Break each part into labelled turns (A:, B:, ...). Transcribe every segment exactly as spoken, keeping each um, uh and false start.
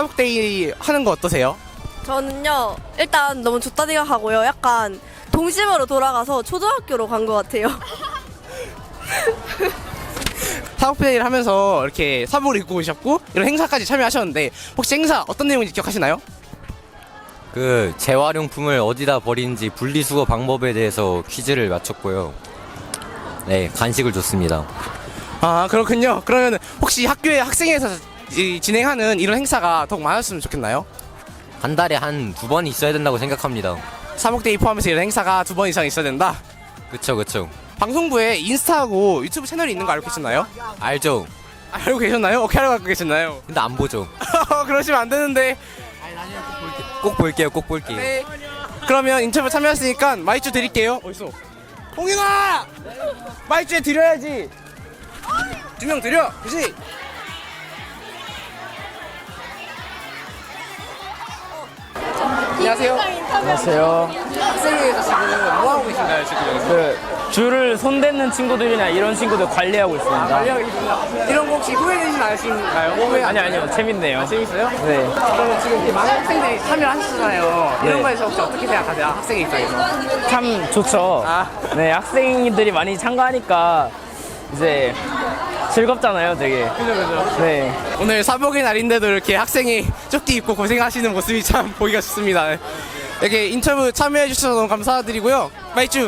A: 사복데이 하는 거 어떠세요?
B: 저는요 일단 너무 좋다 생각하고요. 약간 동심으로 돌아가서 초등학교로 간 것 같아요.
A: 사복데이를 하면서 이렇게 사복을 입고 오셨고 이런 행사까지 참여하셨는데 혹시 행사 어떤 내용인지 기억하시나요?
C: 그 재활용품을 어디다 버리는지 분리수거 방법에 대해서 퀴즈를 맞췄고요. 네, 간식을 줬습니다.
A: 아 그렇군요. 그러면 혹시 학교에 학생회에서 이, 진행하는 이런 행사가 더욱 많았으면 좋겠나요?
C: 한 달에 한 두 번 있어야 된다고 생각합니다.
A: 사복데이 포함해서 이런 행사가 두 번 이상 있어야 된다.
C: 그쵸 그쵸.
A: 방송부에 인스타하고 유튜브 채널이 있는 거 알고 계셨나요?
C: 알죠?
A: 알고 계셨나요? 어떻게 알고 갖고 계셨나요?
C: 근데 안 보죠.
A: 그러시면 안 되는데.
C: 꼭 볼게요 꼭 볼게요.
A: 네. 그러면 인터뷰 참여했으니까 마이쮸 드릴게요. 어딨어? 홍윤아! 마이쮸 드려야지. 두 명 드려. 그치? 안녕하세요.
D: 안녕하세요.
A: 학생회에서 지금 뭐 하고 계신가요 지금 여기서?
D: 그 줄을 손대는 친구들이나 이런 친구들 관리하고 있습니다.
A: 관리하고 계십니다. 이런 거 혹시 후회되진 않으신가요? 후회
D: 아니 아니요 재밌네요.
A: 아, 재밌어요?
D: 네.
A: 그러면 지금 이렇게 많은 학생들이 참여하셨잖아요. 이런
D: 네.
A: 거에서 혹시 어떻게 생각하세요? 학생 입장에서?
D: 참 좋죠.
A: 아.
D: 네 학생들이 많이 참가하니까 이제 즐겁잖아요, 되게.
A: 그죠 그죠.
D: 네.
A: 오늘 사복의 날인데도 이렇게 학생이 조끼 입고 고생하시는 모습이 참 보기가 좋습니다. 이렇게 인터뷰 참여해 주셔서 너무 감사드리고요. 마이쮸.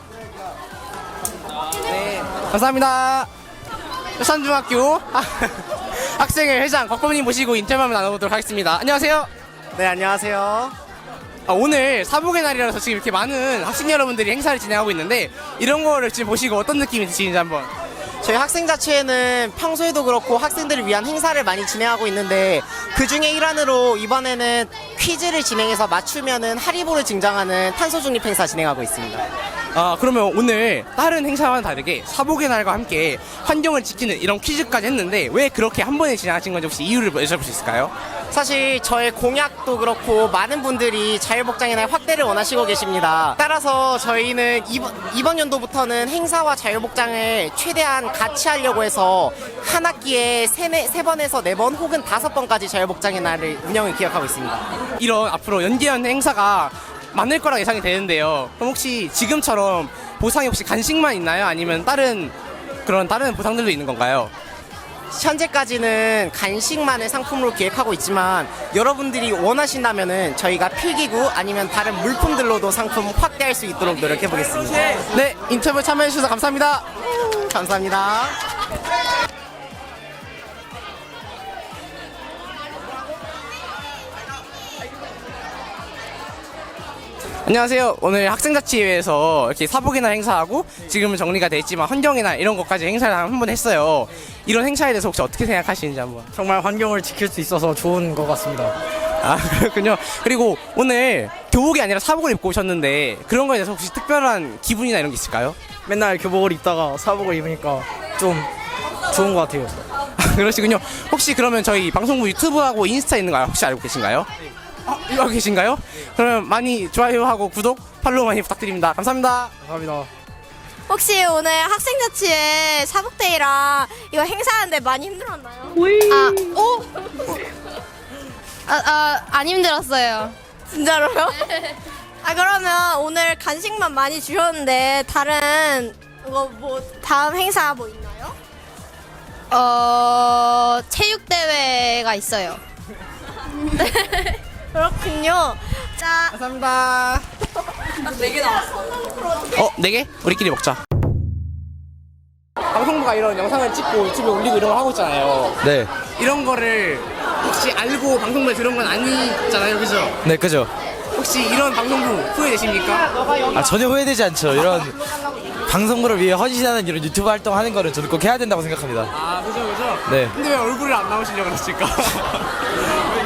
A: 네, 감사합니다. 울산중학교 학생회 회장 곽범님 모시고 인터뷰 한번 나눠보도록 하겠습니다. 안녕하세요.
E: 네, 안녕하세요.
A: 아, 오늘 사복의 날이라서 지금 이렇게 많은 학생 여러분들이 행사를 진행하고 있는데 이런 거를 지금 보시고 어떤 느낌이 드시는지 한번.
E: 저희 학생자치회는 평소에도 그렇고 학생들을 위한 행사를 많이 진행하고 있는데 그 중에 일환으로 이번에는 퀴즈를 진행해서 맞추면은 하리보를 증정하는 탄소 중립 행사 진행하고 있습니다.
A: 아 그러면 오늘 다른 행사와는 다르게 사복의 날과 함께 환경을 지키는 이런 퀴즈까지 했는데 왜 그렇게 한 번에 진행하신 건지 혹시 이유를 여쭤볼 수 있을까요?
E: 사실 저의 공약도 그렇고 많은 분들이 자율복장의 날 확대를 원하시고 계십니다. 따라서 저희는 이번, 이번 연도부터는 행사와 자율복장을 최대한 같이 하려고 해서 한 학기에 세, 네, 세 번에서 네 번 혹은 다섯 번까지 자율복장의 날을 운영을 기획하고 있습니다.
A: 이런 앞으로 연기한 행사가 많을 거라 예상이 되는데요. 그럼 혹시 지금처럼 보상이 혹시 간식만 있나요? 아니면 다른 그런 다른 보상들도 있는 건가요?
E: 현재까지는 간식만을 상품으로 기획하고 있지만 여러분들이 원하신다면은 저희가 필기구 아니면 다른 물품들로도 상품 확대할 수 있도록 노력해 보겠습니다.
A: 네, 인터뷰 참여해 주셔서 감사합니다.
E: 감사합니다.
A: 안녕하세요. 오늘 학생자치회에서 이렇게 사복의 날 행사하고 지금은 정리가 돼 있지만 환경의 날 이런 것까지 행사를 한 번 했어요. 이런 행사에 대해서 혹시 어떻게 생각하시는지 한번.
F: 정말 환경을 지킬 수 있어서 좋은 것 같습니다.
A: 아 그렇군요. 그리고 오늘 교복이 아니라 사복을 입고 오셨는데 그런 거에 대해서 혹시 특별한 기분이나 이런 게 있을까요?
F: 맨날 교복을 입다가 사복을 입으니까 좀 좋은 것 같아요.
A: 그러시군요. 혹시 그러면 저희 방송부 유튜브하고 인스타 있는 거 혹시 알고 계신가요? 아, 이거 알고 계신가요? 그러면 많이 좋아요하고 구독, 팔로우 많이 부탁드립니다. 감사합니다.
F: 감사합니다.
B: 혹시 오늘 학생자치회 사복데이랑 이거 행사하는데 많이 힘들었나요?
G: 아, 오? 아, 아, 안 힘들었어요.
B: 진짜로요? 아 그러면 오늘 간식만 많이 주셨는데 다른 뭐, 뭐 다음 행사 뭐 있나요?
G: 어, 체육대회가 있어요.
B: 그렇군요. 자,
A: 감사합니다.
B: 네 개 나왔어.
A: 어, 네 개? 우리끼리 먹자. 방송부가 이런 영상을 찍고 유튜브에 올리고 이런 걸 하고 있잖아요.
C: 네.
A: 이런 거를 혹시 알고 방송부에 들은 건 아니잖아요, 그죠?
C: 네 그죠.
A: 혹시 이런 방송부 후회되십니까?
H: 아, 전혀 후회되지 않죠. 이런 방송부를 위해 헌신하는 이런 유튜브 활동하는 거는 저는 꼭 해야 된다고 생각합니다.
A: 아, 그죠, 그죠?
H: 네.
A: 근데 왜 얼굴을 안 나오시려고 그러실까?